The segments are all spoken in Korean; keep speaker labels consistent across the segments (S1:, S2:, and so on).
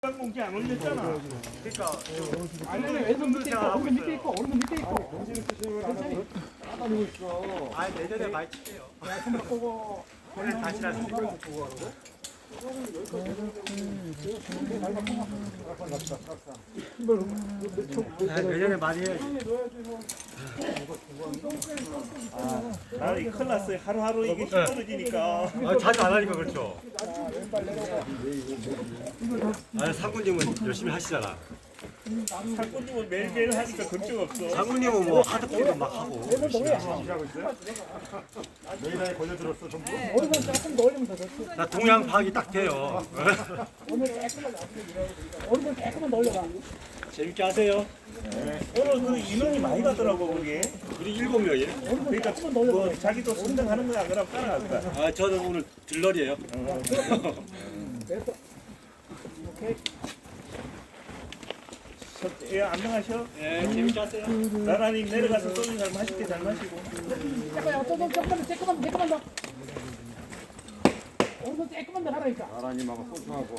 S1: 공지 안 올렸잖아. 그러니까
S2: 아니면 왼손 밑에 있고 오른손 밑에 있고 오른손 밑에 있고
S3: 정신을 쓰시는 거라고 따다니고 있어.
S4: 아 내년에 많이 칠게요.
S2: 손 바꾸고
S4: 오늘 다시 하시니까. 내년에 많이 해야지.
S1: 나는 큰일 났어요. 하루하루 이게 힘들어지니까.
S4: 아, 자주 안 하니까 그렇죠. 아, 상군님은 열심히 하시잖아.
S1: 상권님은 매일매일 하니까 걱정 없어.
S4: 상군님은 뭐 하드코도 막 하고.
S3: 일하고 있어요? 메이다에 걸려들었어 전부.
S2: 오른손 조금 더 올리면 더 좋지.
S4: 나 동양 파악이 딱 돼요.
S2: 오른손 조금만 더 올려봐.
S4: 재밌게 하세요.
S1: 오늘 그 인원이 많이 가더라고 그게.
S4: 우리 7명이에요.
S1: 그러니까 뭐 자기도 선정하는 거야 그럼 따라갈까.
S4: 아, 저는 오늘 들러리예요.
S2: 됐어. 오케이.
S1: 예, 안녕하셔.
S4: 예, 재밌게 하세요.
S1: 나란히 내려가서 소주 잘 마실게 잘 마시고.
S2: 잠깐만, 조금만 더. 오른손 조금만 더 하라니까.
S3: 나라님하고 소중하고.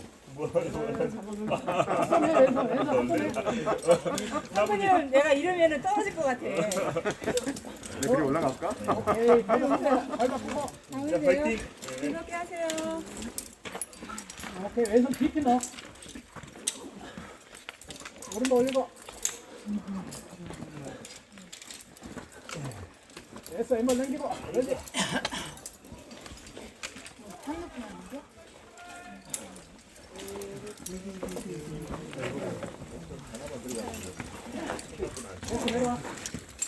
S2: 한번 해, 왼손 한번 해.
S5: 사부님 내가 이러면은 떨어질 것 같아.
S3: 그래 올라갈까?
S2: 오케이, 발 바꾸고, 발 바꾸고.
S1: 자, 파이팅.
S5: 이렇게 하세요.
S2: 오케이, 왼손 깊이 넣어. 오른손 올리고. 됐어, 왼발 넘기고. 그렇지. 됐어, 내려와.